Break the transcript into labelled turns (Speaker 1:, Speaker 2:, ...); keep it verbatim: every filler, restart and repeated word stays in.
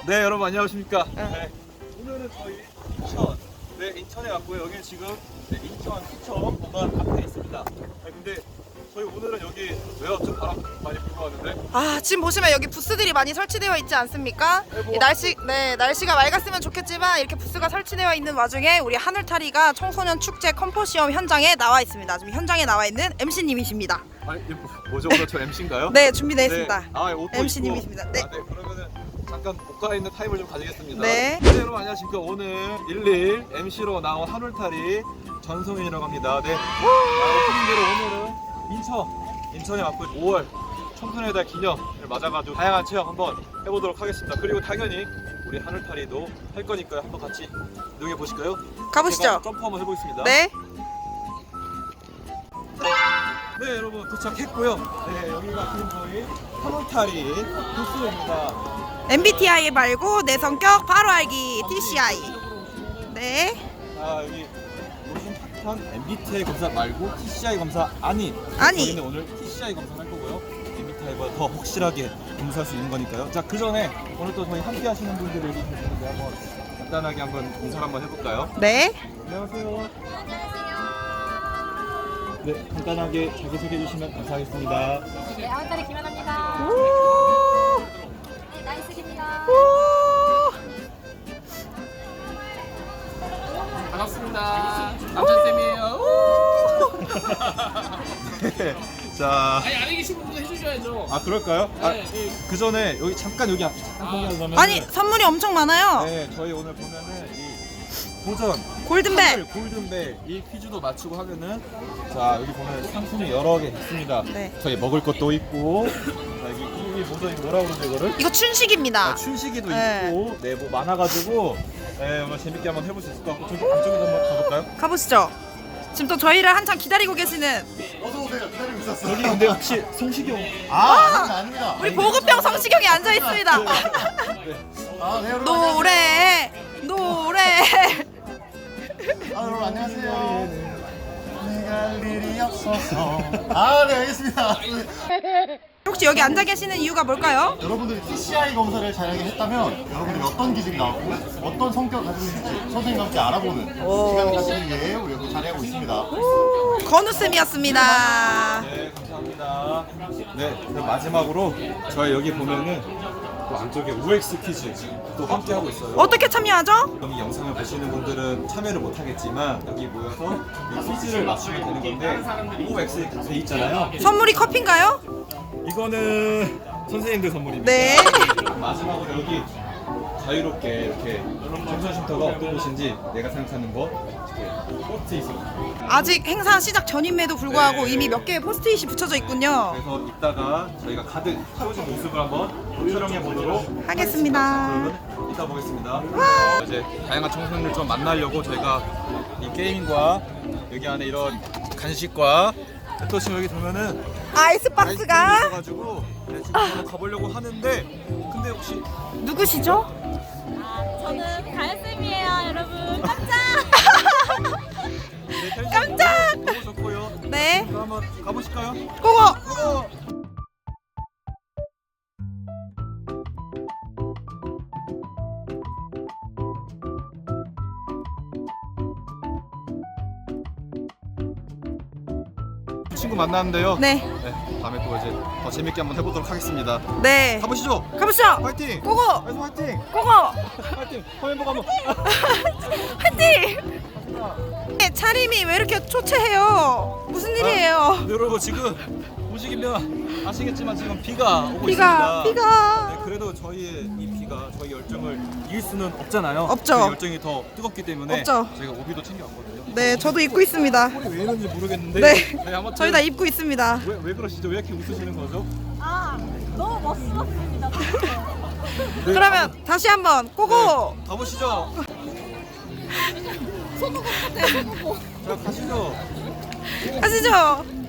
Speaker 1: 네, 여러분 안녕하십니까. 네, 오늘은 저희 인천, 네, 인천에 왔고요. 여기 지금 네, 인천 수청 공간 앞에 있습니다. 네, 근데 저희 오늘은 여기 왜 왔죠? 바람 많이 불고 왔는데.
Speaker 2: 아, 지금 보시면 여기 부스들이 많이 설치되어 있지 않습니까?
Speaker 1: 네, 뭐-
Speaker 2: 이 날씨, 네, 날씨가 맑았으면 좋겠지만 이렇게 부스가 설치되어 있는 와중에 우리 하늘타리가 청소년 축제 컴포시엄 현장에 나와 있습니다. 지금 현장에 나와 있는 엠씨님이십니다.
Speaker 1: 아니, 이게 뭐- 뭐죠? 오늘 저 엠씨인가요?
Speaker 2: 네, 준비되어 있습니다.
Speaker 1: 네. 아, 옷도
Speaker 2: 엠씨님이십니다.
Speaker 1: 입고.
Speaker 2: 네.
Speaker 1: 아, 네, 그러면은 잠깐 옷가 있는 타임을 좀 가지겠습니다.
Speaker 2: 네.
Speaker 1: 네, 여러분 안녕하십니까. 오늘 일일 엠씨로 나온 하늘타리 전송이라고 합니다. 네. 아, 오프닝대로 오늘은 인천, 인천에 왔고 오월 청소년의 달 기념을 맞아가지고 다양한 체험 한번 해보도록 하겠습니다. 그리고 당연히 우리 하늘타리도 할 거니까요. 한번 같이 이용해 보실까요?
Speaker 2: 가보시죠.
Speaker 1: 제가 점프 한번 해보겠습니다.
Speaker 2: 네.
Speaker 1: 네, 여러분 도착했고요. 네, 여기가 지금 저희 하늘타리 부스입니다.
Speaker 2: 엠비티아이 말고 내 성격 바로 알기 티씨아이. 네.
Speaker 1: 자, 여기 오신 핫한 엠비티아이 검사 말고 티씨아이 검사 아닌.
Speaker 2: 아니.
Speaker 1: 저희는 오늘 티씨아이 검사 할 거고요. 엠비티아이보다 더 확실하게 검사할 수 있는 거니까요. 자, 그 전에 오늘 또 저희 함께 하시는 분들이 여기 계시는데 한번 간단하게 한번 인사를 한번 해볼까요?
Speaker 2: 네.
Speaker 1: 안녕하세요. 네, 간단하게 자기소개해 주시면 감사하겠습니다.
Speaker 3: 네, 하늘타리 김연아입니다.
Speaker 2: 오.
Speaker 3: 네, 나이스입니다.
Speaker 2: 오.
Speaker 4: 반갑습니다. 남천쌤이에요.
Speaker 1: 네, 자,
Speaker 4: 아니 안에 계신 분도 해주셔야죠.
Speaker 1: 아 그럴까요? 아,
Speaker 4: 네.
Speaker 1: 그 전에 여기 잠깐 여기 앞에 잠깐 보면 그러면
Speaker 2: 아니, 선물이 엄청 많아요.
Speaker 1: 네, 저희 오늘 보면은 이 도전
Speaker 2: 골든벨.
Speaker 1: 선물 골든벨 이 퀴즈도 맞추고 하면은 자 여기 보면 상품이 여러 개 있습니다.
Speaker 2: 네.
Speaker 1: 저희 먹을 것도 있고 자, 여기 이 뭐죠? 이거 뭐라고 그러죠 이거를?
Speaker 2: 이거 춘식입니다.
Speaker 1: 아, 춘식이도
Speaker 2: 네.
Speaker 1: 있고 네 뭐 많아가지고 네 오늘 재밌게 한번 해볼 수 있을 것 같고 저기 안쪽에도 한번 가볼까요?
Speaker 2: 가보시죠. 지금 또 저희를 한참 기다리고 계시는
Speaker 5: 어서오세요. 기다리고 있었어요.
Speaker 1: 여기 근데 혹시 송식용
Speaker 5: 아, 아닙니다, 아닙니다.
Speaker 2: 우리 보급병 성시경이 앉아 있습니다.
Speaker 5: 아, 네, 여러분.
Speaker 2: 노래, 노래.
Speaker 5: 안녕하세요. 아, 여러분, 안녕하세요. 내가 할 일이 없어서. 아, 네, 알겠습니다.
Speaker 2: 혹시 여기 앉아 계시는 이유가 뭘까요?
Speaker 5: 여러분들이 티씨아이 검사를 잘하게 했다면 여러분들이 어떤 기질이 나오고 어떤 성격을 가지고 있는지 선생님과 함께 알아보는 시간을 가지기 위해 우리 여기 자리하고 있습니다.
Speaker 2: 건우 쌤이었습니다.
Speaker 1: 네 감사합니다. 네 그럼 마지막으로 저희 여기 보면은 또 안쪽에 오엑스 퀴즈 또 함께 하고 있어요.
Speaker 2: 어떻게 참여하죠?
Speaker 1: 이 영상을 보시는 분들은 참여를 못하겠지만 여기 모여서 이 퀴즈를 맞추면 되는 건데 오엑스 돼 있잖아요.
Speaker 2: 선물이 커피인가요?
Speaker 1: 이거는 선생님들 선물입니다.
Speaker 2: 네.
Speaker 1: 마지막으로 여기 자유롭게 이렇게 정선 쉼터가 어떤 곳인지 내가 생각하는 거 이렇게 포스트잇이
Speaker 2: 아직 행사 시작 전임에도 불구하고
Speaker 1: 네.
Speaker 2: 이미 몇 개의 포스트잇이 붙여져 있군요.
Speaker 1: 그래서 이따가 저희가 가득 채워진 모습을 한번 촬영해 보도록
Speaker 2: 하겠습니다.
Speaker 1: 그러면 이따 보겠습니다. 어, 이제 다양한 청소년들 좀 만나려고 저희가 이 게임과 여기 안에 이런 간식과 또 지금 여기 보면은
Speaker 2: 아이스박스가
Speaker 1: 있어가지고 네, 지금 한번 가보려고 하는데 근데 혹시
Speaker 2: 누구시죠?
Speaker 3: 저는 가연쌤이에요, 여러분. 깜짝!
Speaker 1: 네, 텐션
Speaker 2: 깜짝!
Speaker 1: 너무 좋고요.
Speaker 2: 네.
Speaker 1: 그럼 한번 가보실까요?
Speaker 2: 고고.
Speaker 1: 친구 만났는데요.
Speaker 2: 네.
Speaker 1: 네, 다음에 또 이제 더 재밌게 한번 해보도록 하겠습니다.
Speaker 2: 네.
Speaker 1: 가보시죠.
Speaker 2: 가보시죠.
Speaker 1: 화이팅!
Speaker 2: 고고.
Speaker 1: 그래서 화이팅!
Speaker 2: 고고.
Speaker 1: 화이팅! 화면 보고 한번.
Speaker 2: 화이팅. 네, 차림이 왜 이렇게 초췌해요? 무슨 일이에요?
Speaker 1: 네, 여러분 지금 보시면 아시겠지만 지금 비가 오고
Speaker 2: 비가
Speaker 1: 있습니다.
Speaker 2: 비가.
Speaker 1: 네, 그래도 저희의 이 비가 저희 열정을 이길 수는 없잖아요.
Speaker 2: 없죠.
Speaker 1: 저희 열정이 더 뜨겁기 때문에
Speaker 2: 없죠.
Speaker 1: 저희가 오비도 챙겨왔거든요.
Speaker 2: 네, 저도 입고 있습니다.
Speaker 1: 왜 이런지 모르겠는데.
Speaker 2: 네.
Speaker 1: 아무튼
Speaker 2: 저희 다 입고 있습니다.
Speaker 1: 왜, 왜 그러시죠? 왜 이렇게 웃으시는 거죠?
Speaker 3: 아, 너무 멋스럽습니다.
Speaker 1: 네,
Speaker 2: 그러면 다시 한번 고고.
Speaker 1: 네, 가보시죠.
Speaker 3: 소고고 같아요, 소고고.
Speaker 1: 자, 가시죠.
Speaker 2: 가시죠.